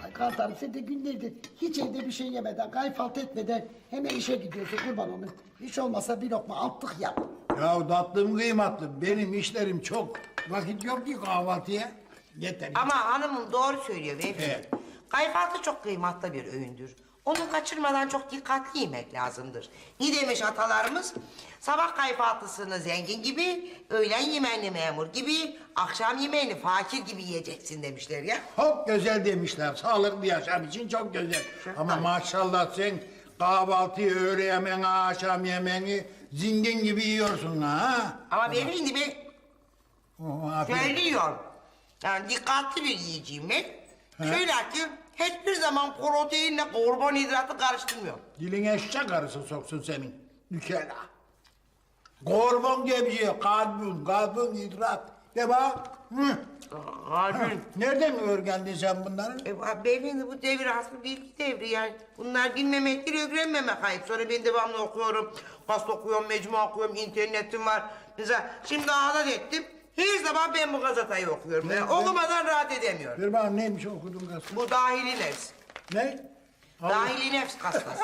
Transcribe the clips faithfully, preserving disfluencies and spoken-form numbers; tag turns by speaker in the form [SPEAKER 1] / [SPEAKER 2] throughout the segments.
[SPEAKER 1] Ay Kantarım sen de günlerdir hiç evde bir şey yemeden, kayfalt etmeden hemen işe gidiyorsun kurban olun. Hiç olmasa bir lokma altlık yap.
[SPEAKER 2] Ya tatlım kıymatlı, benim işlerim çok. Vakit yok ki kahvaltıya. Yeter.
[SPEAKER 3] Ama hanımım doğru söylüyor beyefendi.
[SPEAKER 2] Evet.
[SPEAKER 3] Kayfaltı çok kıymetli bir öğündür. Onu kaçırmadan çok dikkatli yemek lazımdır. Ne demiş atalarımız? Sabah kayfaltısını zengin gibi, öğlen yemeğini memur gibi, akşam yemeğini fakir gibi yiyeceksin demişler ya.
[SPEAKER 2] Çok güzel demişler. Sağlıklı yaşam için çok güzel. Ama maşallah sen kahvaltıyı, öğle yemeğini, akşam yemeğini zengin gibi yiyorsun ha.
[SPEAKER 3] Ama beyefendi ben
[SPEAKER 2] Oh, afiyet.
[SPEAKER 3] söylüyorum. Yani dikkatli bir yiyeceğim ben. Şöyle ki hiçbir zaman proteinle karbonhidratı karıştırmıyorum.
[SPEAKER 2] Diline eşek arısı soksun senin. Nükela. Karbon diye bir şey. Karbon, karbonhidrat. De bak. Hı.
[SPEAKER 3] Harbi.
[SPEAKER 2] Nereden öğrendin sen bunları?
[SPEAKER 3] E, beyefendi bu devir aslında bilgi devri yani. Bunlar bilmemektir, öğrenmemek ayıp. Sonra ben devamlı okuyorum. Gazete okuyorum, mecmu okuyorum, internetim var. Mesela şimdi adet ettim. Her zaman ben bu gazeteyi okuyorum. Yani okumadan rahat edemiyorum.
[SPEAKER 2] Bir bana neymiş okudun gazete?
[SPEAKER 3] Bu dahili nefs.
[SPEAKER 2] Ne? Allah,
[SPEAKER 3] Dahili nefs hastası.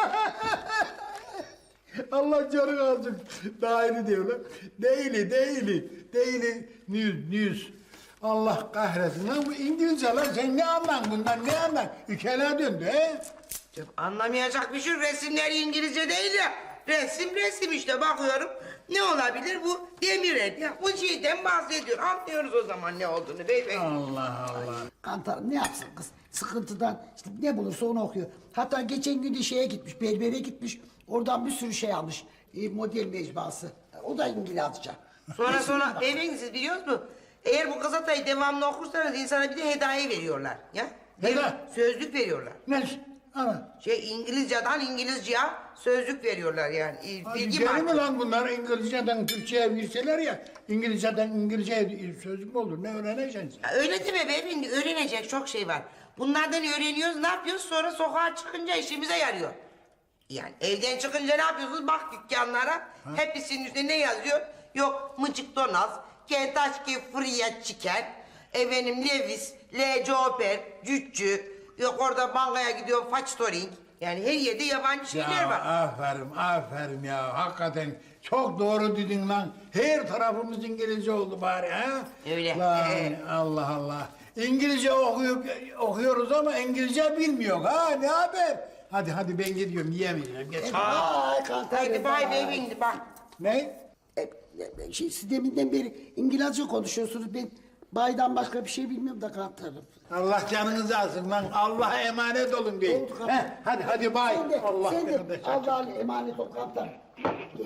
[SPEAKER 2] Allah canını alsın. Dahili diyorlar. Değili, değili. Değili, news, news. Allah kahretsin. Lan bu İngilizce lan. Sen ne anlan bundan, ne anlan? Ülkeler döndü he?
[SPEAKER 3] Canım, anlamayacak bir şey. Resimler İngilizce değil ya. Resim resim işte bakıyorum. Ne olabilir bu? Demir et ya. Bu şeyden bahsediyor. Anlıyoruz o zaman ne olduğunu beyefendi.
[SPEAKER 2] Allah Allah.
[SPEAKER 1] Kantarım ne yapsın kız? Sıkıntıdan işte ne bulursa onu okuyor. Hatta geçen gün de şeye gitmiş, berbere gitmiş. Oradan bir sürü şey almış. E, model mecmuası. O da İngilizce.
[SPEAKER 3] Sonra sonra beyefendi siz biliyor musunuz? Eğer bu gazeteyi devamlı okursanız insana bir de hediye veriyorlar. Ya.
[SPEAKER 2] Hediye?
[SPEAKER 3] Sözlük veriyorlar.
[SPEAKER 2] Ne? Ana.
[SPEAKER 3] Şey İngilizceden İngilizceye sözlük veriyorlar yani. E, Bilgi
[SPEAKER 2] Geri mi
[SPEAKER 3] markası.
[SPEAKER 2] lan bunlar İngilizceden Türkçe'ye virseler ya? İngilizceden İngilizce'ye sözlük mü olur? Ne öğreneceksin sen?
[SPEAKER 3] Ya öyle deme beyefendi, öğrenecek çok şey var. Bunlardan öğreniyoruz, ne yapıyoruz? Sonra sokağa çıkınca işimize yarıyor. Yani evden çıkınca ne yapıyorsunuz? Bak dükkanlara, hepsinin üstünde ne yazıyor? Yok Mıcık Donaz, Kentucky Fried Chicken, efendim Levis, L. Joper, Cüccü, yok orada bankaya gidiyor Factoring. Yani her yerde yabancı şeyler
[SPEAKER 2] Ya
[SPEAKER 3] var.
[SPEAKER 2] aferin, aferin ya. Hakikaten çok doğru dedin lan. Her tarafımız İngilizce oldu bari ha?
[SPEAKER 3] Öyle.
[SPEAKER 2] Lan
[SPEAKER 3] Ee.
[SPEAKER 2] Allah Allah. İngilizce okuyup okuyoruz ama İngilizce bilmiyor ha. Ne haber? Hadi hadi ben gidiyorum yiyemeyeceğim. Geç.
[SPEAKER 1] Ay Kantarım.
[SPEAKER 3] Haydi bay beyefendi bak.
[SPEAKER 2] Ne?
[SPEAKER 1] E, e, şey, siz deminden beri İngilizce konuşuyorsunuz. Ben baydan başka bir şey bilmiyorum da Kantarım.
[SPEAKER 2] Allah canınızı alsın lan. Allah'a emanet olun deyin.
[SPEAKER 1] Oldu Kantarım.
[SPEAKER 2] Heh, hadi hadi bay.
[SPEAKER 1] Sen de,
[SPEAKER 2] Allah
[SPEAKER 1] sen de
[SPEAKER 2] kardeş.
[SPEAKER 1] Allah'a emanet ol Kantarım. Gel.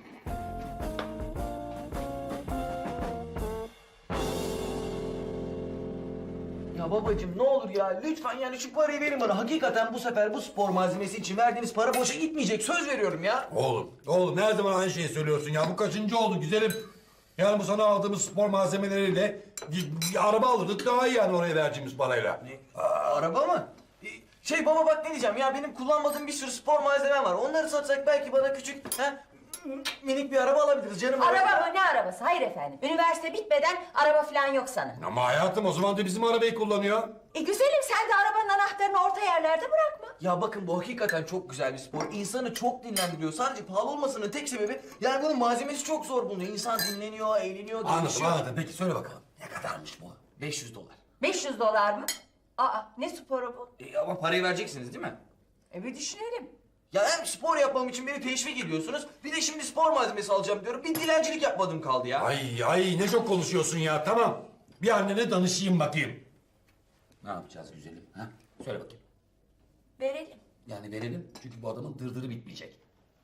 [SPEAKER 4] Ya babacığım ne olur ya lütfen yani şu parayı verin bana. Hakikaten bu sefer bu spor malzemesi için verdiğiniz para boşa gitmeyecek. Söz veriyorum ya.
[SPEAKER 5] Oğlum, oğlum her zaman aynı şeyi söylüyorsun ya. Bu kaçıncı oldu güzelim? Yani bu sana aldığımız spor malzemeleriyle bir, bir araba alırdık daha iyi yani oraya vereceğimiz parayla.
[SPEAKER 4] Aa, araba mı? Ee, Şey baba bak ne diyeceğim ya benim kullanmadığım bir sürü spor malzemem var. Onları satsak belki bana küçük ha, minik bir araba alabiliriz canım.
[SPEAKER 6] Araba mı ne arabası? Hayır efendim. Üniversite bitmeden araba falan yok sana.
[SPEAKER 5] Ama hayatım o zaman da bizim arabayı kullanıyor.
[SPEAKER 6] E güzelim sen de arabanın anahtarını orta yerlerde bırakma.
[SPEAKER 4] Ya bakın bu hakikaten çok güzel bir spor. İnsanı çok dinlendiriyor. Sadece pahalı olmasının tek sebebi yani bunun malzemesi çok zor bulunuyor. İnsan dinleniyor, eğleniyor,
[SPEAKER 5] Anladım
[SPEAKER 4] gelişiyor.
[SPEAKER 5] anladım. Peki söyle bakalım. Ne kadarmış bu?
[SPEAKER 4] beş yüz dolar.
[SPEAKER 6] beş yüz dolar mı? Aa ne sporu bu?
[SPEAKER 4] E, ama parayı vereceksiniz değil mi?
[SPEAKER 6] E bir düşünelim.
[SPEAKER 4] Ya hem spor yapmam için beni teşvik ediyorsunuz. Bir de şimdi spor malzemesi alacağım diyorum. Bir dilencilik yapmadım kaldı ya.
[SPEAKER 5] Ay ay ne çok konuşuyorsun ya tamam. Bir annene danışayım bakayım.
[SPEAKER 7] Ne yapacağız güzelim? Ha? Söyle bakayım.
[SPEAKER 6] Verelim.
[SPEAKER 7] Yani verelim çünkü bu adamın dırdırı bitmeyecek.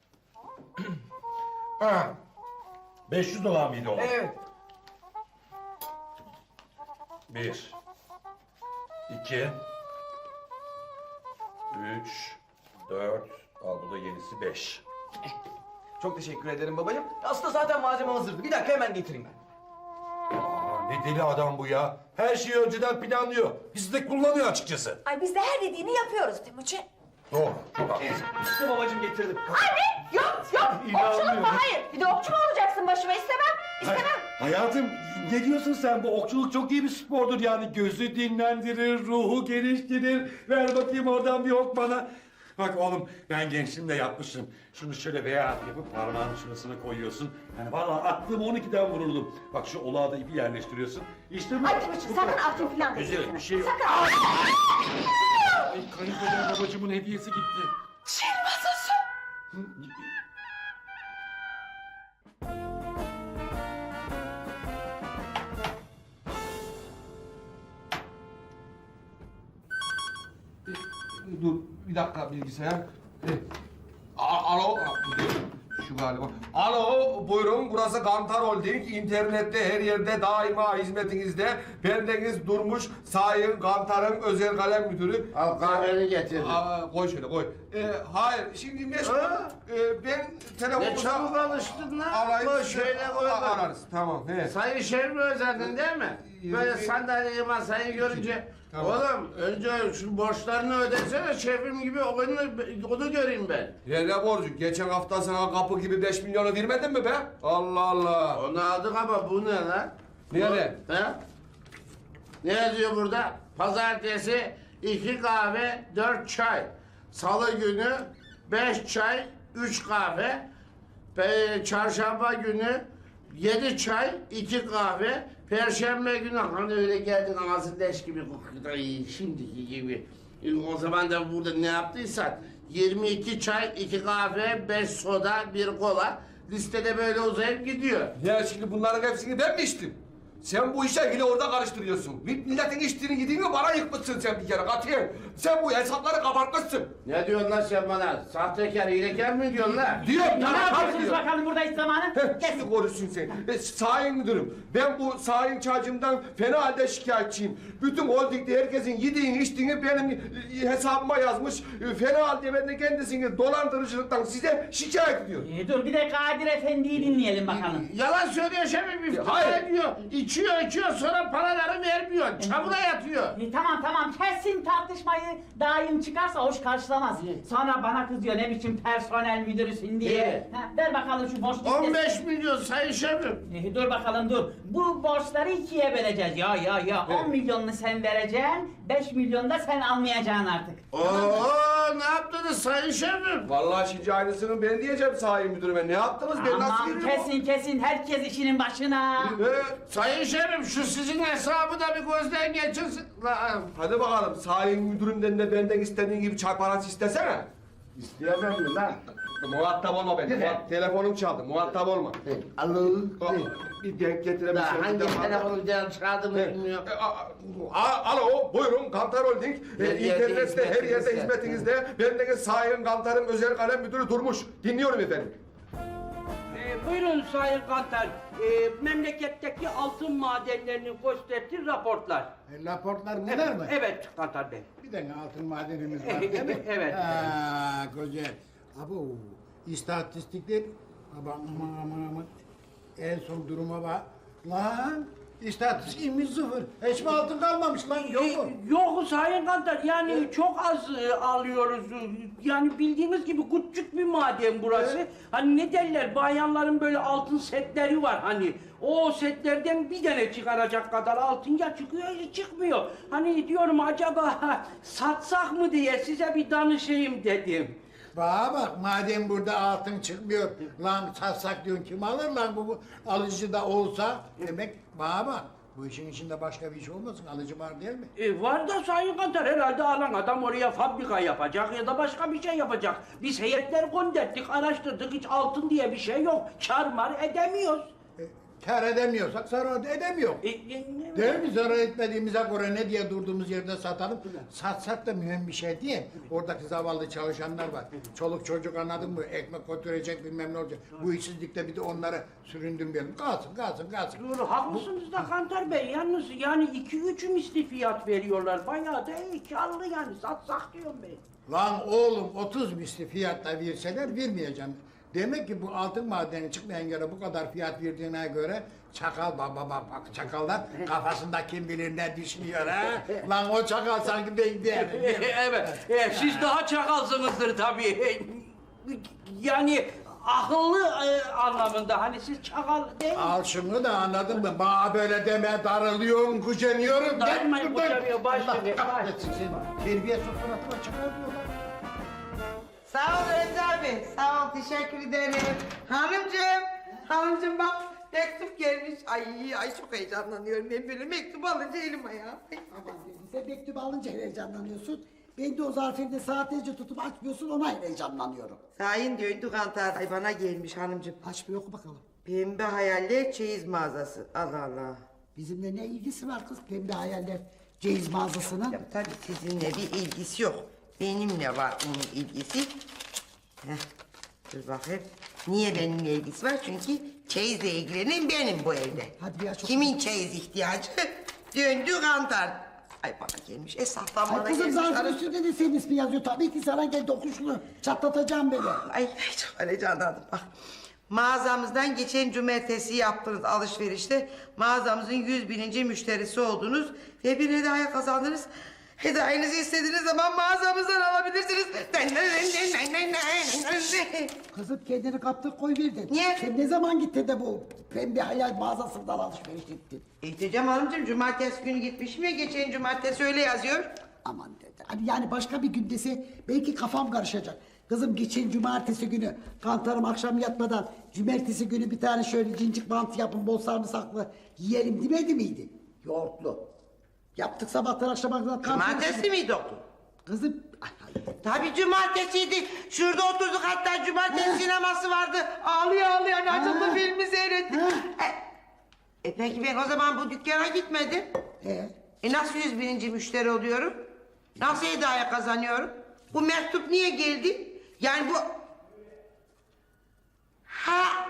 [SPEAKER 5] Ha. beş yüz dolar mıydı o?
[SPEAKER 4] Evet.
[SPEAKER 5] Bir. İki. Üç. Dört. Al bu da yenisi beş.
[SPEAKER 4] Çok teşekkür ederim babacığım. Aslında zaten malzeme hazırdı. Bir dakika hemen getireyim ben.
[SPEAKER 5] Aa, ne deli adam bu ya. Her şeyi önceden planlıyor. Bizi de kullanıyor açıkçası.
[SPEAKER 6] Ay biz de her dediğini yapıyoruz Timuçin.
[SPEAKER 5] Doğru. Çok haklısın.
[SPEAKER 4] İşte babacığım getirdim.
[SPEAKER 6] Anne yok yok. Okçuluk mu? Hayır. Bir de okçu mu olacaksın başıma istemem. İstemem.
[SPEAKER 5] Hayatım ne diyorsun sen? Bu okçuluk çok iyi bir spordur yani. Gözü dinlendirir, ruhu geliştirir. Ver bakayım oradan bir ok bana. Bak oğlum ben gençliğimde yapmışım. Şunu şöyle veya yapıp parmağının şurasına koyuyorsun. Yani vallahi aklım on ikiden vururdum. Bak şu olağa da ipi yerleştiriyorsun. İşte bu.
[SPEAKER 6] Ay Timuçin sakın altın falan
[SPEAKER 5] Güzel
[SPEAKER 6] deme.
[SPEAKER 5] bir şey yok.
[SPEAKER 6] Sakın.
[SPEAKER 5] Ay kayınpeder babacığımın hediyesi gitti.
[SPEAKER 6] Şiir masası.
[SPEAKER 8] Dur bir dakika bilgisayar. E, a- Alo. Şu galiba. Alo buyurun burası Kantar Holding. İnternette her yerde daima hizmetinizde. Bendeniz Durmuş Sayın Kantar'ın özel kalem müdürü.
[SPEAKER 2] Al kahveni getirdim.
[SPEAKER 8] Aa, koy şöyle koy. E, hayır şimdi meşgul.
[SPEAKER 2] Ha?
[SPEAKER 8] E, ben telefonunuza...
[SPEAKER 2] Ne çabuk alıştın lan.
[SPEAKER 8] Alayım.
[SPEAKER 2] Koy şöyle koy.
[SPEAKER 8] A- Ararız tamam. He.
[SPEAKER 2] Sayın Şerif özledin değil mi? Böyle
[SPEAKER 8] Ee,
[SPEAKER 2] sandalyeyi masayı görünce...
[SPEAKER 8] Tamam.
[SPEAKER 2] Oğlum önce şu borçlarını ödesene şefim gibi onu, onu göreyim ben.
[SPEAKER 8] Ya ne borcu? Geçen hafta sana kapı gibi beş milyonu vermedin mi be? Allah Allah.
[SPEAKER 2] Onu aldık ama bu ne lan?
[SPEAKER 8] Ne ne?
[SPEAKER 2] Ha? Ne yazıyor burada? Pazartesi iki kahve, dört çay. Salı günü beş çay, üç kahve. Pe çarşamba günü yedi çay, iki kahve. Perşembe günü hani öyle geldin ağzın leş gibi kokuyor. Ay, şimdiki gibi. E, O zaman da burada ne yaptıysan yirmi iki çay, iki kahve, beş soda, bir kola. Listede böyle uzayıp gidiyor.
[SPEAKER 8] Ya şimdi bunların hepsini ben mi içtim? Sen bu işe yine orada karıştırıyorsun. Milletin içtiğini gidiğini bana yıkmışsın sen bir kere katiyen. Sen bu hesapları kabartmışsın.
[SPEAKER 2] Ne diyorsun lan sen bana? Sahtekar, hilekar mı diyorsun lan?
[SPEAKER 8] Diyorum
[SPEAKER 9] Ne
[SPEAKER 8] sana
[SPEAKER 9] yapıyorsunuz
[SPEAKER 8] diyorum.
[SPEAKER 9] bakalım burada hiç zamanı?
[SPEAKER 8] Heh, şimdi konuşsun sen. E, sayın müdürüm, ben bu sayın çağcımdan fena halde şikayetçiyim. Bütün holdingde herkesin yediğini içtiğini benim e, hesabıma yazmış. E, fena halde ben de kendisini dolandırıcılıktan size şikayet ediyorum.
[SPEAKER 9] Ee, dur bir de Kadir Efendi'yi dinleyelim bakalım.
[SPEAKER 2] Yalan söylüyor şefim, iftira
[SPEAKER 8] Hayır.
[SPEAKER 2] ediyor. İçiyor, içiyor, sonra paraları vermiyor. Çamura yatıyor.
[SPEAKER 9] Ee, tamam tamam kesin tartışmayı daim çıkarsa hoş karşılamaz. Sonra bana kızıyor ne biçim personel müdürüsün diye.
[SPEAKER 2] Evet.
[SPEAKER 9] Ha, ver bakalım şu borç listesi.
[SPEAKER 2] on beş milyon sayın şefim.
[SPEAKER 9] Ee, dur bakalım dur. Bu borçları ikiye böleceğiz. Ya ya ya on milyonunu sen vereceksin. Beş milyon da sen almayacaksın artık.
[SPEAKER 2] Oo, ne yaptınız sayın şefim?
[SPEAKER 8] Vallahi şimdi aynısını ben diyeceğim sayın müdürüme. Ne yaptınız? Ben nasıl
[SPEAKER 9] Aman
[SPEAKER 8] girdim?
[SPEAKER 9] kesin kesin herkes işinin başına.
[SPEAKER 8] E,
[SPEAKER 2] Sayın şefim, şu sizin hesabı da bir gözden geçirsin. Lan,
[SPEAKER 8] hadi bakalım sayın müdürümden de benden istediğin gibi çay parası istesene.
[SPEAKER 2] isteyemem mi lan?
[SPEAKER 8] Muhatap olma beni. Muhat- Telefonum çaldı. Muhatap olma.
[SPEAKER 2] Alo.
[SPEAKER 8] Aa, Bir denk getirebilirsin.
[SPEAKER 2] Daha hangi
[SPEAKER 8] Bir de-
[SPEAKER 2] telefonu diyen çağırdığımı
[SPEAKER 8] Evet.
[SPEAKER 2] bilmiyorum.
[SPEAKER 8] E, a- a- Alo, buyurun Kantar Holding.
[SPEAKER 2] Her
[SPEAKER 8] E,
[SPEAKER 2] yerde
[SPEAKER 8] İnternette her yerde
[SPEAKER 2] hizmetinizde.
[SPEAKER 8] hizmetinizde. Bendeniz Sayın Kantar'ın özel kalem müdürü Durmuş. Dinliyorum efendim.
[SPEAKER 10] Ee, buyurun Sayın Kantar. Ee, memleketteki altın madenlerini gösterdiği raportlar.
[SPEAKER 2] E, raportlar bunlar mı?
[SPEAKER 10] Evet Kantar Bey.
[SPEAKER 2] Bir tane altın madenimiz var değil mi?
[SPEAKER 10] Evet.
[SPEAKER 2] Ha, güzel. Abo, istatistikler. Aman aman aman aman. En son duruma bak. Lan, istatistikimiz sıfır. Hiç mi altın kalmamış lan? Yok mu?
[SPEAKER 10] Ee, Yok Sayın Kantar, yani çok az e, alıyoruz. Yani bildiğiniz gibi küçük bir maden burası. Hani ne derler, bayanların böyle altın setleri var hani. O setlerden bir tane çıkaracak kadar altın ya çıkıyor ya çıkmıyor. Hani diyorum acaba satsak mı diye size bir danışayım dedim.
[SPEAKER 2] Bana bak, madem burada altın çıkmıyor, lan satsak diyorsun, kim alır lan bu, bu alıcı da olsa? Demek bana bak, bu işin içinde başka bir iş olmasın, alıcı var değil mi?
[SPEAKER 10] E, var da Sayın Kantar, herhalde alan adam oraya fabrika yapacak ya da başka bir şey yapacak. Biz heyetler gönderdik, araştırdık, hiç altın diye bir şey yok. Kar mar edemiyoruz.
[SPEAKER 2] E, kar edemiyorsak zarar da edemiyor.
[SPEAKER 10] E, e, ne-
[SPEAKER 2] Değil mi? Zarar etmediğimize göre ne diye durduğumuz yerde satalım? Satsak da mühim bir şey değil. Oradaki zavallı çalışanlar var. Çoluk çocuk, anladın mı? Ekmek götürecek, bilmem ne olacak. Bu işsizlikte bir de onları süründürmeyelim. Kalsın, kalsın, kalsın.
[SPEAKER 10] Doğru, haklısınız da Kantar Bey. Yalnız yani iki üç misli fiyat veriyorlar. Bayağı da iyi, karlı yani. Satsak diyorum ben.
[SPEAKER 2] Lan oğlum, otuz misli fiyatla verseler vermeyeceğim. Demek ki bu altın madeni çıkmayan göre bu kadar fiyat verdiğine göre çakal baba bak bak çakallar kafasında kim bilir ne düşünüyor ha? Lan o çakal sanki ben değilim.
[SPEAKER 10] evet, e, siz daha çakalsınızdır tabii. E, Yani akıllı e, anlamında. Hani siz çakal değil mi?
[SPEAKER 2] Al şunu da anladın mı? Bana böyle deme, darılıyorum, güceniyorum.
[SPEAKER 10] Darılmayın,
[SPEAKER 2] Git buradan.
[SPEAKER 10] güceniyor, baş
[SPEAKER 2] Allah
[SPEAKER 10] verin, baş.
[SPEAKER 2] kahretsin seni. Terbiye suratına çıkarmıyorlar.
[SPEAKER 3] Sağ ol Remzi abi. Sağ ol. Teşekkür ederim. Hanımcığım. Hanımcığım bak mektup gelmiş. Ay ay çok heyecanlanıyorum. Ben böyle mektup alınca elim ayağım. Ay.
[SPEAKER 1] Aman dedim, sen mektubu alınca heyecanlanıyorsun. Ben de o zarfını saatlerce tutup açmıyorsun, ona heyecanlanıyorum.
[SPEAKER 3] Sayın döndü kantar. Ay bana gelmiş hanımcığım.
[SPEAKER 1] Aç bir oku bakalım.
[SPEAKER 3] Pembe hayaller çeyiz mağazası. Allah Allah.
[SPEAKER 1] Bizimle ne ilgisi var kız pembe hayaller ceyiz mağazasının?
[SPEAKER 3] Ya tabii sizinle bir ilgisi yok. Benimle var onun ilgisi. Heh, dur bakayım. Niye benimle ilgisi var? Çünkü çeyizle ilgilenen benim bu evde.
[SPEAKER 1] Hadi bir aç oku.
[SPEAKER 3] Kimin çeyiz ihtiyacı? Döndü kantar. Ay bana gelmiş. Esaftan bana
[SPEAKER 1] Ay kızım
[SPEAKER 3] gelmiş.
[SPEAKER 1] zarfın
[SPEAKER 3] hanım.
[SPEAKER 1] üstünde de senin ismi yazıyor. Tabii ki sana geldi oku şunu. Çatlatacağım beni.
[SPEAKER 3] Ay çok heyecanlandım bak. Mağazamızdan geçen cumartesi yaptığınız alışverişte mağazamızın yüz bininci müşterisi oldunuz ve bir hediye kazandınız. Hediyenizi istediğiniz zaman mağazamızdan alabilirsiniz.
[SPEAKER 1] Kızım kendini kaptır koy verdin.
[SPEAKER 3] Niye?
[SPEAKER 1] Sen ne zaman gittin de bu pembe hayal mağazasından alışveriş ettin?
[SPEAKER 3] İhtiyacım hanımcığım cumartesi günü gitmişim ya geçen cumartesi öyle yazıyor.
[SPEAKER 1] Aman dedi. Hani yani başka bir gün dese belki kafam karışacak. Kızım geçen cumartesi günü kantarım akşam yatmadan cumartesi günü bir tane şöyle cincik mantı yapın bol sarımsaklı yiyelim demedi miydi? Yoğurtlu. Yaptık sabahtan akşama kadar.
[SPEAKER 3] Cumartesi miydi doktor?
[SPEAKER 1] Kızım ay, ay.
[SPEAKER 3] Tabii cumartesiydi. Şurada oturduk hatta cumartesi
[SPEAKER 1] Ha.
[SPEAKER 3] sineması vardı. Ağlıyor ağlıyor hani açıldı
[SPEAKER 1] Ha.
[SPEAKER 3] filmi seyrettik.
[SPEAKER 1] Ha.
[SPEAKER 3] E, e peki ben o zaman bu dükkana gitmedim.
[SPEAKER 1] Ee?
[SPEAKER 3] E nasıl yüz bininci müşteri oluyorum? Nasıl hediye kazanıyorum? Bu mektup niye geldi? Yani bu... Ha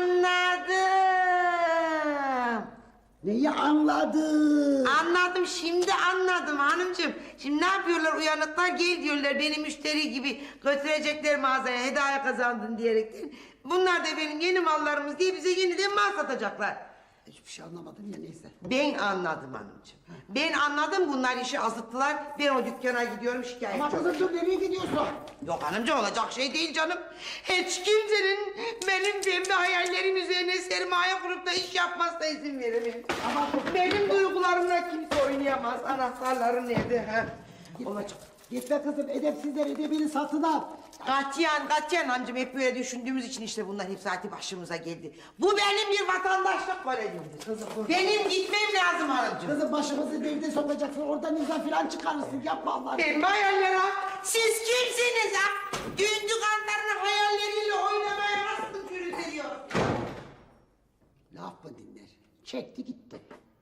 [SPEAKER 3] anladım.
[SPEAKER 1] Neyi anladın?
[SPEAKER 3] Anladım şimdi anladım hanımcığım. Şimdi ne yapıyorlar uyanıklar gel diyorlar beni müşteri gibi götürecekler mağazaya hediye kazandın diyerekten. Bunlar da benim yeni mallarımız diye bize yeniden mal satacaklar.
[SPEAKER 1] Hiçbir şey anlamadım ya neyse.
[SPEAKER 3] Ben anladım hanımcığım. Ben anladım bunlar işi azıttılar. Ben o dükkana gidiyorum şikayetçi
[SPEAKER 1] Ama
[SPEAKER 3] olacağım.
[SPEAKER 1] kızım dur nereye gidiyorsun?
[SPEAKER 3] Yok hanımcığım olacak şey değil canım. Hiç kimsenin benim pembe hayallerim üzerine sermaye kurup da iş yapmasına izin veremem.
[SPEAKER 1] Ama
[SPEAKER 3] Benim duygularımla kimse oynayamaz. Anahtarları nerede? Ha? Olacak.
[SPEAKER 1] gitme kızım edepsizler edebini satın al.
[SPEAKER 3] Katiyen, katiyen amcım hep böyle düşündüğümüz için işte bunlar hep zaten başımıza geldi. Bu benim bir vatandaşlık görevimdir.
[SPEAKER 1] Kızım, dur.
[SPEAKER 3] Benim gitmem lazım hanımcığım.
[SPEAKER 1] Kızım başımızı derde sokacaksın oradan imza filan çıkarırsın yapma Allah.
[SPEAKER 3] Benim hayaller ha. Siz kimsiniz ha? Dündü kantarının hayalleriyle oynamaya nasıl cüret ediyor?
[SPEAKER 1] Laf mı dinler? Çekti gitti.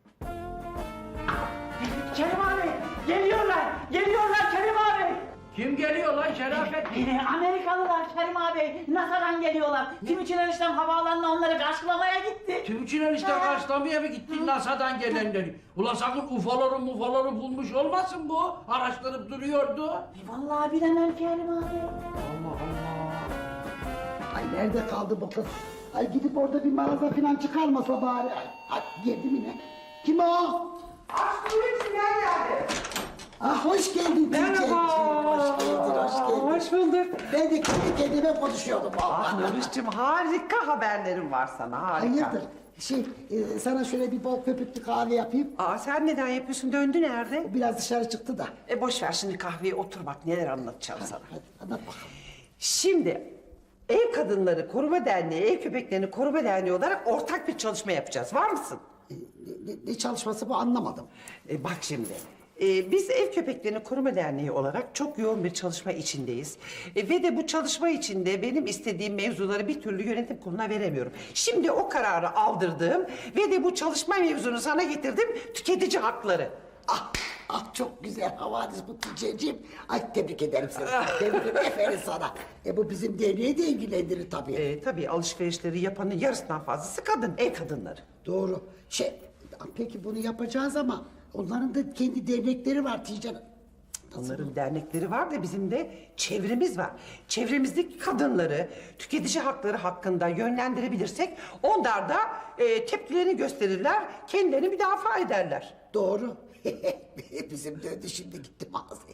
[SPEAKER 9] Kerim abi geliyorlar. Geliyorlar Kerim abi.
[SPEAKER 10] Kim geliyor lan Şerafet?
[SPEAKER 9] Ee, Amerikalılar Kerim abi. NASA'dan geliyorlar. Timuçin eniştem havaalanına onları karşılamaya gitti.
[SPEAKER 10] Timuçin enişte karşılamaya mı gittin NASA'dan gelenleri? Ulan sakın ufaları mufaları bulmuş olmasın bu? Araştırıp duruyordu.
[SPEAKER 9] E, vallahi bilemem Kerim abi.
[SPEAKER 10] Allah Allah.
[SPEAKER 1] Ay nerede kaldı bu kız? Ay gidip orada bir mağaza filan çıkarmasa bari. Ay, ay girdi mi ne? Kim o?
[SPEAKER 3] Aşkım içinden geldi.
[SPEAKER 1] Ah hoş geldin.
[SPEAKER 10] Merhaba.
[SPEAKER 1] Hoş geldin, hoş geldin.
[SPEAKER 10] Hoş bulduk.
[SPEAKER 1] Ben de kendi kendime konuşuyordum vallahi.
[SPEAKER 11] Nuriş'cim harika haberlerim var sana harika.
[SPEAKER 1] Hayırdır? Şey, e, sana şöyle bir bol köpüklü kahve yapayım.
[SPEAKER 11] Aa sen neden yapıyorsun? Döndü nerede?
[SPEAKER 1] O biraz dışarı çıktı da.
[SPEAKER 11] E boş ver şimdi kahveye otur bak neler anlatacağım sana.
[SPEAKER 1] Hadi anlat bakalım.
[SPEAKER 11] Şimdi Ev Kadınları Koruma Derneği, Ev Köpeklerini Koruma Derneği olarak ortak bir çalışma yapacağız. Var mısın?
[SPEAKER 1] E, ne, ne- ne çalışması bu anlamadım.
[SPEAKER 11] E, bak şimdi. e, biz Ev Köpeklerini Koruma Derneği olarak çok yoğun bir çalışma içindeyiz. E, ve de bu çalışma içinde benim istediğim mevzuları bir türlü yönetim kuruluna veremiyorum. Şimdi o kararı aldırdım ve de bu çalışma mevzunu sana getirdim. Tüketici hakları.
[SPEAKER 1] Ah, ah çok güzel havadis bu Tuğçe'ciğim. Ay tebrik ederim seni. Tebrik ederim. Aferin sana. E bu bizim derneği de ilgilendirir tabii.
[SPEAKER 11] E, tabii alışverişleri yapanın yarısından fazlası kadın, ev kadınları.
[SPEAKER 1] Doğru. Şey, peki bunu yapacağız ama onların da kendi dernekleri var Tijan.
[SPEAKER 11] Onların dernekleri var da bizim de çevremiz var. Çevremizdeki kadınları tüketici hakları hakkında yönlendirebilirsek onlar da e, tepkilerini gösterirler, kendilerini müdafaa ederler.
[SPEAKER 1] Doğru. Bizim döndü şimdi gitti mağazaya.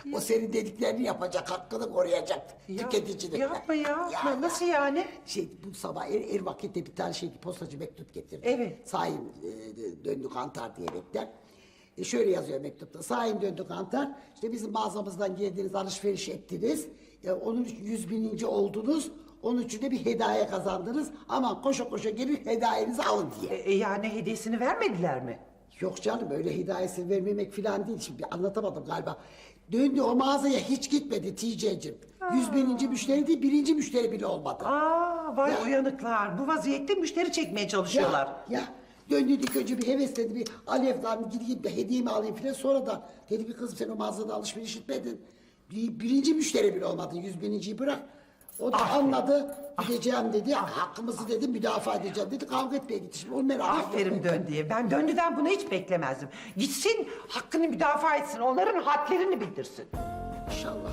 [SPEAKER 1] O senin dediklerini yapacak, hakkını koruyacak
[SPEAKER 11] Ya,
[SPEAKER 1] tüketicinin.
[SPEAKER 11] yapma ya. Nasıl yani?
[SPEAKER 1] Şey bu sabah er, er vakitte bir tane şey postacı mektup getirdi.
[SPEAKER 11] Evet.
[SPEAKER 1] Sayın e, döndü kantar diyerekten. E, şöyle yazıyor mektupta. Sayın döndü kantar. İşte bizim mağazamızdan geldiniz, alışveriş ettiniz. E, onun için yüz bininci oldunuz. Onun için de bir hediye kazandınız. Aman koşa koşa gelin hediyenizi alın diye.
[SPEAKER 11] E, yani hediyesini vermediler mi?
[SPEAKER 1] Yok canım öyle hidayesi vermemek falan değil. Şimdi anlatamadım galiba. Döndü o mağazaya hiç gitmedi Tice'cim. Yüz bininci müşteri değil, birinci müşteri bile olmadı.
[SPEAKER 11] Aa, vay
[SPEAKER 1] Ya.
[SPEAKER 11] uyanıklar. Bu vaziyette müşteri çekmeye çalışıyorlar.
[SPEAKER 1] Ya, ya döndü ilk önce bir hevesledi, bir alevden gideyim de hediyemi alayım filan. Sonra da dedi bir kızım sen o mağazada alışveriş etmedin. Bir, birinci müşteri bile olmadı, yüz bininciyi bırak. O da anladı, gideceğim dedi, hakkımızı dedi, müdafaa edeceğim dedi, kavga etmeye gitti. Şimdi onu merak ettim.
[SPEAKER 11] Aferin Döndü'ye. Ben Döndü'den bunu hiç beklemezdim. Gitsin, hakkını müdafaa etsin, onların hadlerini bildirsin.
[SPEAKER 1] İnşallah.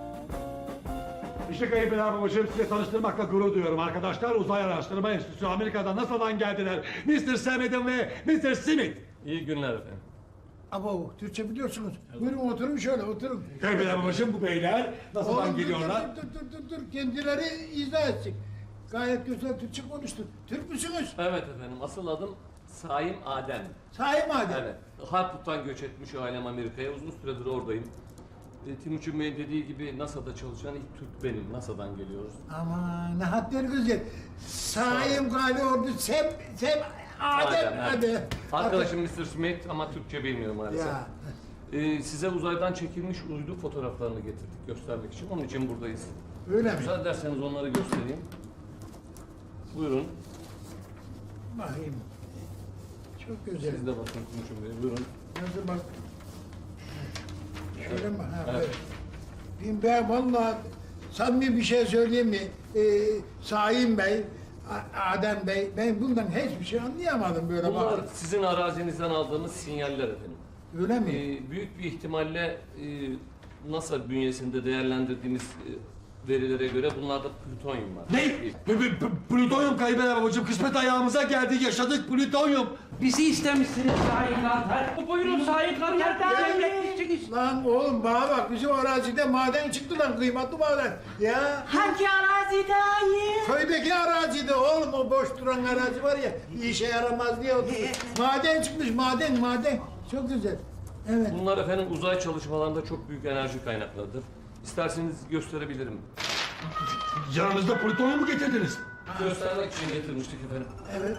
[SPEAKER 5] İşte kayınpeder babacığım size tanıştırmakla gurur duyuyorum arkadaşlar. Uzay Araştırma Enstitüsü Amerika'dan NASA'dan geldiler. mister Samet'in ve mister Smith.
[SPEAKER 12] İyi günler efendim.
[SPEAKER 2] Abo Türkçe biliyorsunuz. Buyurun oturun şöyle oturun.
[SPEAKER 5] Kayınpeder babacığım bu beyler NASA'dan
[SPEAKER 2] Oğlum, dur,
[SPEAKER 5] geliyorlar.
[SPEAKER 2] Dur dur dur dur dur kendileri izah etsin. Gayet güzel Türkçe konuştun. Türk müsünüz?
[SPEAKER 12] Evet efendim. Asıl adım Saim Adem.
[SPEAKER 2] Sahi madem.
[SPEAKER 12] Evet. Harput'tan göç etmiş ailem Amerika'ya. Uzun süredir oradayım. E, Timuçin Bey'in dediği gibi NASA'da çalışan ilk Türk benim. NASA'dan geliyoruz.
[SPEAKER 2] Aman ne hadleri güzel. Sahi galiba orada sem sem Adem
[SPEAKER 12] evet.
[SPEAKER 2] hadi.
[SPEAKER 12] Arkadaşım mister Smith ama Türkçe bilmiyor maalesef.
[SPEAKER 2] Ya.
[SPEAKER 12] E, size uzaydan çekilmiş uydu fotoğraflarını getirdik göstermek için. Onun için buradayız.
[SPEAKER 2] Öyle mi?
[SPEAKER 12] Müsaade ederseniz onları göstereyim. Buyurun.
[SPEAKER 2] Bakayım. Çok güzel.
[SPEAKER 12] Siz de bakın Timuçin Bey. Buyurun.
[SPEAKER 2] Nasıl bak. Şöyle mi? Ha,
[SPEAKER 12] Evet.
[SPEAKER 2] evet. Ben vallahi samimi bir şey söyleyeyim mi? Ee, Saim Bey, A- Adem Bey, ben bundan hiçbir şey anlayamadım böyle
[SPEAKER 12] Bunlar
[SPEAKER 2] bak.
[SPEAKER 12] sizin arazinizden aldığımız sinyaller efendim.
[SPEAKER 2] Öyle mi?
[SPEAKER 12] Ee, büyük bir ihtimalle e, NASA bünyesinde değerlendirdiğimiz e, verilere göre bunlarda plütonyum var.
[SPEAKER 5] Ne? P- p- p- Plütonyum kayınpeder babacığım. Kısmet ayağımıza geldi. Yaşadık plütonyum.
[SPEAKER 10] Bizi istemişsiniz Sayın Kantar. Buyurun Sayın Kantar. Emretmişsiniz.
[SPEAKER 2] Lan oğlum bana bak bizim arazide maden çıktı lan kıymetli maden. Ya
[SPEAKER 9] Hangi arazide ayı?
[SPEAKER 2] köydeki arazide oğlum o boş duran arazi var ya bir işe yaramaz diye oturdu. Maden çıkmış maden maden. Çok güzel. Evet.
[SPEAKER 12] Bunlar efendim uzay çalışmalarında çok büyük enerji kaynaklarıdır. İsterseniz gösterebilirim.
[SPEAKER 5] Yanınızda plütonyum mu getirdiniz?
[SPEAKER 12] Göstermek için getirmiştik efendim.
[SPEAKER 2] Evet.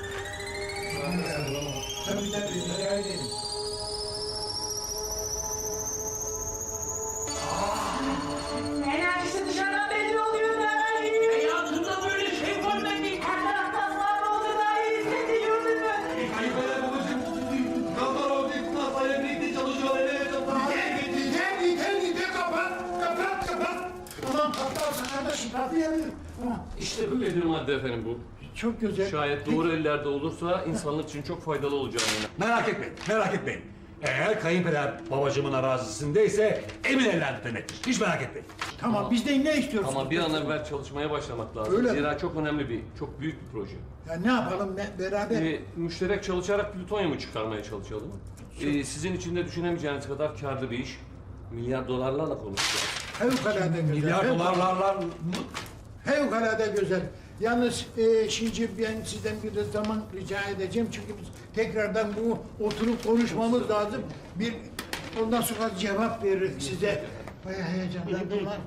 [SPEAKER 2] Tabii tabii. Öyle.
[SPEAKER 9] Enerjisi dışarıdan belli oluyor da.
[SPEAKER 10] Hayatımda böyle şey var ben değil.
[SPEAKER 9] Her taraftan var oldu da hissediyorsun mu?
[SPEAKER 5] Kayınpeder babacığım. Kantar oldu. NASA'ya birlikte çalışıyorlar. Evet.
[SPEAKER 2] Yeter yeter yeter kapat kapat kapat. Ulan patlarsın kardeşim patlayabilir. Tamam.
[SPEAKER 12] İşte böyle bir madde efendim bu.
[SPEAKER 2] Çok güzel.
[SPEAKER 12] Şayet doğru ellerde olursa insanlık için çok faydalı olacağını.
[SPEAKER 5] Merak etmeyin, merak etmeyin. Eğer kayınpeder babacığımın arazisindeyse emin ellerde demektir. Hiç merak etmeyin.
[SPEAKER 2] Tamam bizden ne istiyorsun?
[SPEAKER 12] Ama bir an evvel çalışmaya başlamak lazım.
[SPEAKER 2] Öyle mi?
[SPEAKER 12] Zira çok önemli bir, çok büyük bir proje.
[SPEAKER 2] Ya ne yapalım ne, beraber?
[SPEAKER 12] Ee, müşterek çalışarak plütonyumu çıkarmaya çalışalım. Ee, sizin için de düşünemeyeceğiniz kadar karlı bir iş. Milyar dolarlarla konuşacağız.
[SPEAKER 2] Fevkalade güzel.
[SPEAKER 5] Milyar
[SPEAKER 2] Fev-
[SPEAKER 5] dolarlarla...
[SPEAKER 2] Fevkalade güzel. Yalnız e, şimdi ben sizden bir de zaman rica edeceğim çünkü biz tekrardan bu oturup konuşmamız lazım. Bir ondan sonra cevap verir size. Bayağı heyecanlandım lan.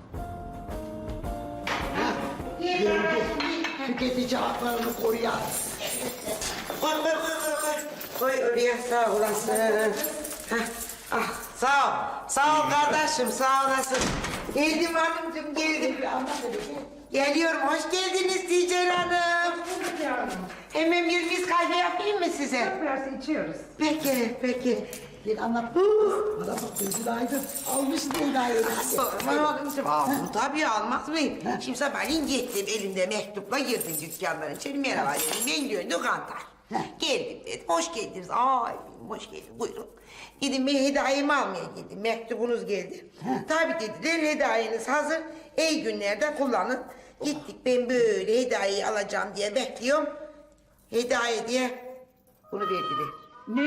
[SPEAKER 1] Gördü. Tüketici haklarını koruyan.
[SPEAKER 3] Koy koy koy koy koy. Koy oraya sağ olasın. Hah, ah, sağ ol. Sağ ol kardeşim sağ olasın. Geldim hanımcığım geldim. Geliyorum hoş geldiniz Ticer Hanım. Hemen bir mis kahve yapayım mı size?
[SPEAKER 11] Biraz içiyoruz.
[SPEAKER 3] Peki peki.
[SPEAKER 1] Bir anlat. Bana bak gözün aydın. Almışsın hediyeyi.
[SPEAKER 3] Sorma hanımcığım. Aldım tabii almaz mıyım? Şimdi sabahleyin gittim elimde mektupla girdim dükkanların içeri. Merhaba dedim ben Gönlü Kantar. Geldim dedim hoş geldiniz. Ay hoş geldin buyurun. Dedim ben hediyemi almaya geldim. Mektubunuz geldi. Tabii dediler hediyeniz hazır. İyi günlerde kullanın. Gittik ben böyle hediyeyi alacağım diye bekliyorum. Hediye diye bunu verdiler.
[SPEAKER 11] Ne?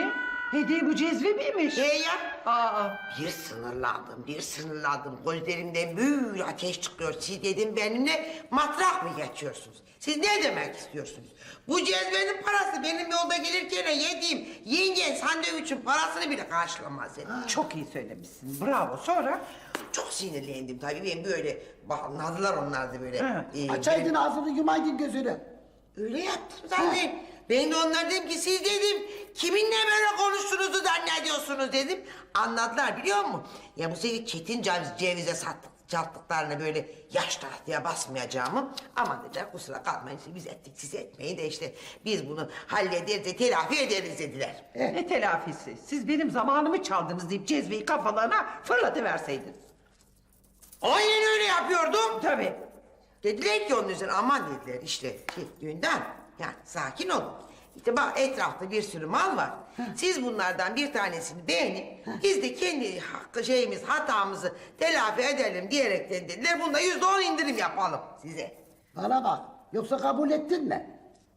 [SPEAKER 11] Hediye bu cezve miymiş?
[SPEAKER 3] He ya.
[SPEAKER 11] Aa.
[SPEAKER 3] Bir sınırlandım, bir sınırlandım. Gözlerimden böyle ateş çıkıyor. Siz dedim benimle matrak mı geçiyorsunuz? Siz ne demek istiyorsunuz? Bu cezvenin parası benim yolda gelirken yediğim yengen sandviçin parasını bile karşılamaz dedi.
[SPEAKER 11] Çok iyi söylemişsin. Bravo. Sonra?
[SPEAKER 3] Çok sinirlendim tabii. Ben böyle anladılar onlar da böyle.
[SPEAKER 11] He.
[SPEAKER 3] Ee,
[SPEAKER 1] Açaydın ağzını yumaydın gözünü.
[SPEAKER 3] Öyle yaptım zaten. Ben de onlara dedim ki siz dedim kiminle böyle konuştuğunuzu zannediyorsunuz dedim. Anladılar biliyor musun? Ya bu sefer Çetin ceviz, cevize sattık, sattıklarını böyle yaş tahtaya basmayacağımı. Ama dediler kusura kalmayın işte biz ettik siz etmeyin de işte biz bunu hallederiz de telafi ederiz dediler.
[SPEAKER 11] Ne telafisi? Siz benim zamanımı çaldınız deyip cezveyi kafalarına fırlatıverseydiniz.
[SPEAKER 3] Aynen öyle yapıyordum.
[SPEAKER 11] Tabii.
[SPEAKER 3] Dediler ki onun üzerine aman dediler işte şey, düğünden yani sakin olun. İşte bak etrafta bir sürü mal var. Siz bunlardan bir tanesini beğenin. Biz de kendi hakkı şeyimiz hatamızı telafi edelim diyerekten dediler. Bunda yüzde on indirim yapalım size.
[SPEAKER 1] Bana bak. Yoksa kabul ettin mi?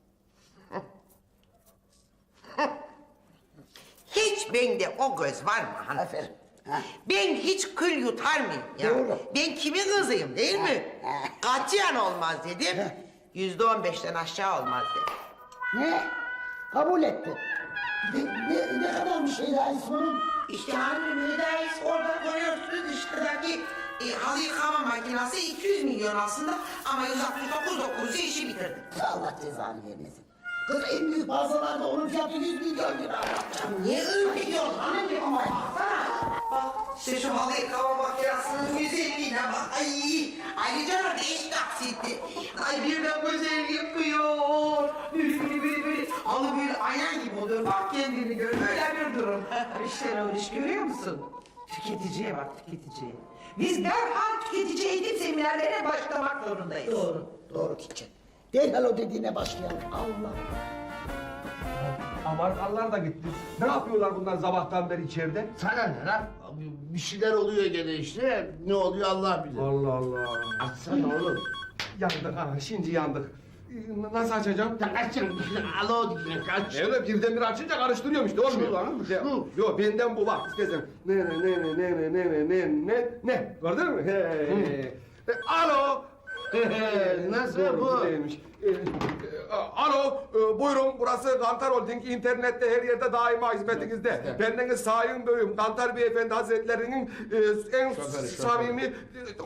[SPEAKER 3] Hiç bende o göz var mı hanım?
[SPEAKER 1] Aferin. Ha.
[SPEAKER 3] Ben hiç kül yutar mıyım ya?
[SPEAKER 1] Doğru.
[SPEAKER 3] Ben kimin kızıyım değil mi? Katiyen olmaz dedim. Yüzde on beşten aşağı olmaz dedim.
[SPEAKER 1] Ne? Kabul etti. Ne, ne, ne kadar bir şey daha ismin?
[SPEAKER 3] İşte hani müdahis orada koyuyorsunuz dışarıdaki e, halı yıkama makinesi iki yüz milyon aslında ama yüz altmış dokuz dokuzu işi bitirdi.
[SPEAKER 1] Allah cezanı vermesin. Kız en büyük mağazalarda onun fiyatı yüz milyon lira.
[SPEAKER 3] Niye ürküyorsun hanımcığım ama baksana. Bak işte şu halı yıkama makinesinin güzelliğine bak. Ay, ayrıca da eş taksitli. Ay birden güzel yıkıyor. Böyle böyle böyle böyle. Halı böyle ayna gibi oluyor. Bak kendini gör. Böyle bir durum.
[SPEAKER 11] İşte o iş görüyor musun? Tüketiciye bak tüketiciye. Biz derhal tüketici eğitim seminerlerine başlamak zorundayız.
[SPEAKER 1] Doğru, doğru Kitchen. Derhal o dediğine başlayalım. Allah.
[SPEAKER 8] Amerikalılar da gitti. Ne yapıyorlar bunlar sabahtan beri içeride?
[SPEAKER 2] Sana ne lan? Bir şeyler oluyor gene işte. Ne oluyor Allah bilir.
[SPEAKER 8] Allah Allah.
[SPEAKER 2] Açsana oğlum.
[SPEAKER 8] Yandık ha, şimdi yandık. Ee, Nasıl açacağım?
[SPEAKER 2] Ya açın. Alo diyeceksin. Aç.
[SPEAKER 8] Öyle birdenbire açınca karıştırıyorum işte olmuyor.
[SPEAKER 2] Şu lan,
[SPEAKER 8] Ya,
[SPEAKER 2] şu.
[SPEAKER 8] Yok benden bu bak istersen. Ne ne ne ne ne ne ne ne ne ne gördün mü? He, he. E, alo.
[SPEAKER 2] Nasıl
[SPEAKER 8] Doğru,
[SPEAKER 2] bu?
[SPEAKER 8] güzelmiş. E, e, alo, e, buyurun burası Kantar Holding. İnternette her yerde daima hizmetinizde. Bendeniz Sayın Bey'im, Kantar Beyefendi Hazretlerinin e, en
[SPEAKER 2] Şoförü,
[SPEAKER 8] samimi... e,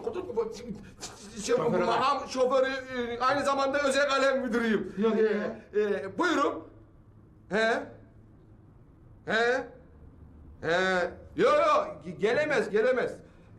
[SPEAKER 2] Şoförü var.
[SPEAKER 8] Makam şoförü, e, aynı zamanda özel kalem müdürüyüm. E, e, buyurun. He? He? He? Yok yok, gelemez, gelemez.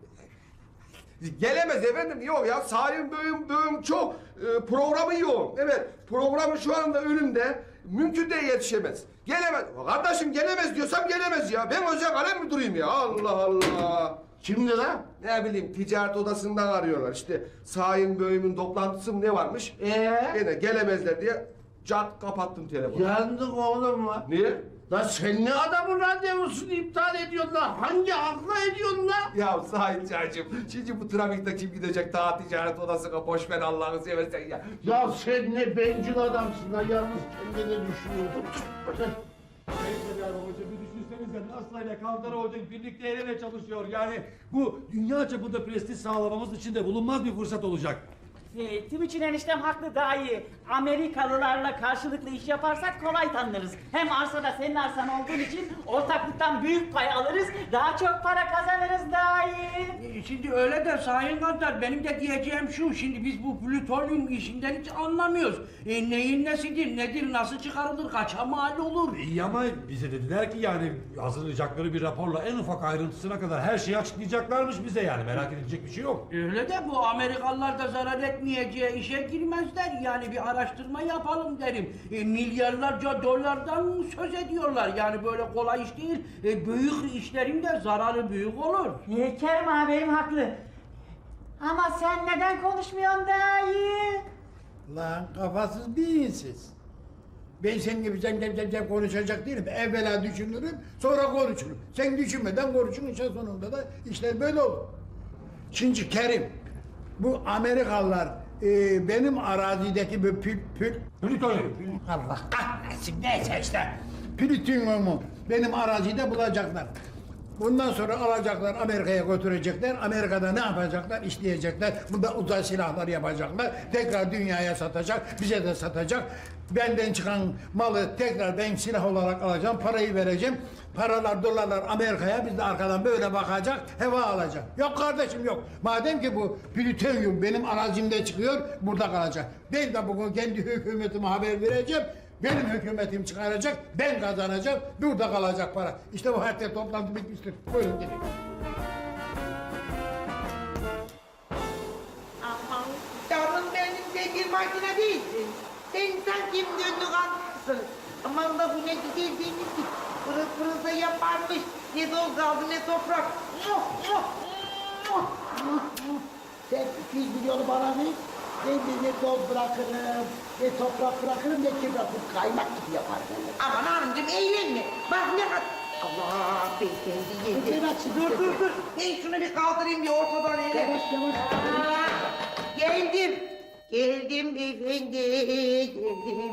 [SPEAKER 8] Gelemez efendim, yok ya Sayın Bey'im, beyim çok e, programı yoğun. Evet, programı şu anda önümde, mümkün de yetişemez. Gelemez, kardeşim gelemez diyorsam gelemez ya. Ben özel kalem müdürüyüm ya, Allah Allah.
[SPEAKER 2] Kimdi lan?
[SPEAKER 8] Ne bileyim, ticaret odasından arıyorlar işte. Sayın Bey'imin toplantısı mı ne varmış?
[SPEAKER 2] Ee?
[SPEAKER 8] Gene gelemezler diye cat kapattım telefonu.
[SPEAKER 2] Yandık oğlum lan.
[SPEAKER 8] Niye?
[SPEAKER 2] Lan sen ne adamın randevusunu iptal ediyorsun lan? Hangi akla ediyorsun lan?
[SPEAKER 8] Ya Sait Çaycığım, şimdi bu trafikte kim gidecek ta ticaret odasına, boş ver Allah'ını seversen ya.
[SPEAKER 2] Ya sen ne bencil adamsın lan, yalnız kendini düşünüyordun.
[SPEAKER 5] Neyse ya babacığım bir düşünsenize Nasla ile Kantar Holding birlikte el ele çalışıyor. Yani bu dünya çapında prestij sağlamamız için de bulunmaz bir fırsat olacak.
[SPEAKER 9] E, Timuçin eniştem haklı daha iyi. Amerikalılarla karşılıklı iş yaparsak kolay tanınırız. Hem arsada senin arsan olduğun için ortaklıktan büyük pay alırız. Daha çok para kazanırız daha iyi.
[SPEAKER 10] E, Şimdi öyle de Sayın Kantar benim de diyeceğim şu. Şimdi biz bu plütonyum işinden hiç anlamıyoruz. E, neyin nesidir, nedir, nasıl çıkarılır, kaça mal olur?
[SPEAKER 5] İyi ama bize dediler ki yani hazırlayacakları bir raporla en ufak ayrıntısına kadar her şeyi açıklayacaklarmış bize yani merak edilecek bir şey yok.
[SPEAKER 10] Öyle de bu Amerikalılar da zarar etmeyeceği işe girmezler. Yani bir araştırma yapalım derim. E, milyarlarca dolardan söz ediyorlar. Yani böyle kolay iş değil. E, büyük işlerin de zararı büyük olur.
[SPEAKER 9] E, Kerim ağabeyim haklı. Ama sen neden konuşmuyorsun daha iyi?
[SPEAKER 2] Lan kafasız bir insiz. Ben senin gibi cem cem cem cem konuşacak değilim. Evvela düşünürüm, sonra konuşurum. Sen düşünmeden konuşun, işin sonunda da işler böyle olur. Şimdi Kerim, bu Amerikalılar e, benim arazideki bu pül pül...
[SPEAKER 5] Plütonyum.
[SPEAKER 2] Allah kahretsin, neyse işte. plütonyumu benim arazide bulacaklar. Bundan sonra alacaklar Amerika'ya götürecekler. Amerika'da ne yapacaklar? İşleyecekler. Bunda uzay silahları yapacaklar. Tekrar dünyaya satacak. Bize de satacak. Benden çıkan malı tekrar ben silah olarak alacağım. Parayı vereceğim. Paralar, dolarlar Amerika'ya. Biz de arkadan böyle bakacak. Heva alacak. Yok kardeşim yok. Madem ki bu plütonyum benim arazimde çıkıyor. Burada kalacak. Ben de bugün kendi hükümetime haber vereceğim. Benim hükümetim çıkaracak, ben kazanacağım, burada kalacak para. İşte bu hatta toplantı bitmiştir. Buyurun gelin.
[SPEAKER 3] Aman canım benim, sen bir makine değilsin. Sen sanki döndü kalmışsın. Aman da bu ne güzel denizlik. Pırıl pırıl da yaparmış. Ne dol kaldı ne toprak.
[SPEAKER 1] Sen iki yüz milyonu bana ver. Ben de ne toz bırakırım, ne toprak bırakırım, ne kim bırakırım. Kaymak gibi yaparım.
[SPEAKER 3] Aman hanımcığım eğlenme. Bak ne kadar... Allah beyefendi yedim.
[SPEAKER 1] Evet, şimdi
[SPEAKER 3] Dur dur
[SPEAKER 1] yedim.
[SPEAKER 3] dur. Ben şunu bir kaldırayım bir ortadan hele.
[SPEAKER 1] Yavaş yavaş.
[SPEAKER 3] Aa, geldim. Geldim beyefendi. Geldim.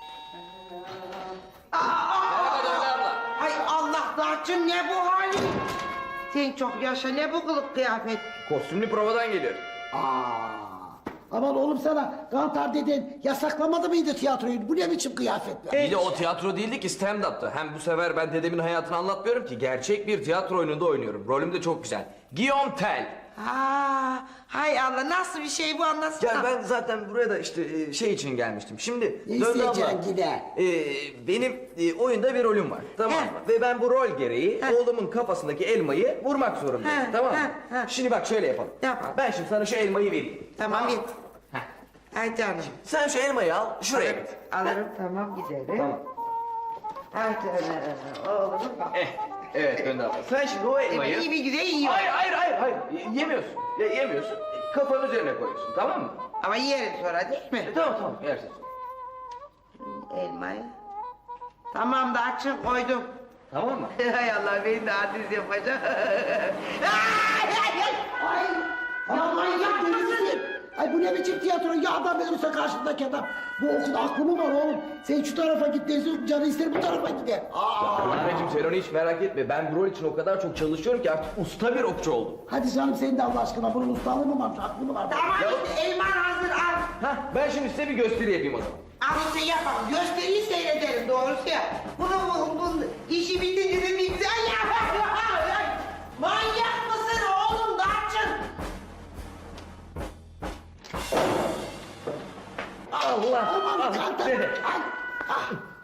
[SPEAKER 3] Aa, aa, Ay Allah Darçın ne bu halin? Sen çok yaşa ne bu kılık kıyafet?
[SPEAKER 4] Kostümlü provadan geliyor.
[SPEAKER 1] Aa, aman oğlum sana Kantar deden yasaklamadı mıydı tiyatroyu? Bu ne biçim kıyafet?
[SPEAKER 4] Bir de o tiyatro değildi ki stand-up'tı. Hem bu sefer ben dedemin hayatını anlatmıyorum ki. Gerçek bir tiyatro oyununda oynuyorum. Rolüm de çok güzel. Guillaume Tell.
[SPEAKER 3] Aa, hay Allah nasıl bir şey bu anlatsana.
[SPEAKER 4] Ya ben zaten buraya da işte e, şey için gelmiştim. Şimdi
[SPEAKER 1] Ne
[SPEAKER 4] Döndü abla,
[SPEAKER 1] isteyeceksin yine?
[SPEAKER 4] e, benim e, oyunda bir rolüm var. Tamam mı?
[SPEAKER 3] He.
[SPEAKER 4] Ve ben bu rol gereği
[SPEAKER 3] He.
[SPEAKER 4] oğlumun kafasındaki elmayı vurmak zorundayım.
[SPEAKER 3] He,
[SPEAKER 4] Tamam mı?
[SPEAKER 3] he, he.
[SPEAKER 4] Şimdi bak şöyle yapalım.
[SPEAKER 3] Yapalım.
[SPEAKER 4] Ben şimdi sana şu elmayı vereyim.
[SPEAKER 3] Tamam git.
[SPEAKER 4] Heh.
[SPEAKER 3] Ay canım.
[SPEAKER 4] Sen şu elmayı al şuraya git.
[SPEAKER 3] Alırım tamam gidelim.
[SPEAKER 4] Tamam.
[SPEAKER 3] Ay canım. Oğlum bak.
[SPEAKER 4] Eh, evet Döndü abla. Sen şimdi o elmayı...
[SPEAKER 3] Evet, iyi bir güzel yiyor.
[SPEAKER 4] Hayır hayır hayır hayır. Y- Yemiyorsun. Ya, yemiyorsun. Kafanın üzerine koyuyorsun tamam mı?
[SPEAKER 3] Ama yerim sonra değil mi?
[SPEAKER 4] E, tamam tamam yersin.
[SPEAKER 3] Elmayı. Tamam da açın koydum.
[SPEAKER 4] Tamam mı?
[SPEAKER 3] Hay Allah beni de adres yapacak. Ay ay ay.
[SPEAKER 1] Ay, ya manyak delisin. Ay bu ne biçim tiyatro? Ya adam ölürse karşındaki adam. Bu okulda aklı mı var oğlum? Sen şu tarafa git desin, canı ister bu tarafa gider. Aa.
[SPEAKER 4] Anneciğim sen onu hiç merak etme. Ben bu rol için o kadar çok çalışıyorum ki artık usta bir okçu oldum.
[SPEAKER 1] Hadi canım sen de Allah aşkına bunun ustalığı mı varmış, aklı mı var?
[SPEAKER 3] Tamam
[SPEAKER 4] Ya-
[SPEAKER 3] işte elman hazır al.
[SPEAKER 4] Hah ben şimdi size bir gösteri yapayım o zaman.
[SPEAKER 3] Al işte yapalım. Gösteriyi seyrederim doğrusu ya. Bunun bu, bu, işi bitince de bir güzel ya. Manyak mısın oğlum Darçın?
[SPEAKER 1] Allah! Aman
[SPEAKER 4] Ah,
[SPEAKER 1] kantar!
[SPEAKER 4] dede.
[SPEAKER 1] Ay! Ah!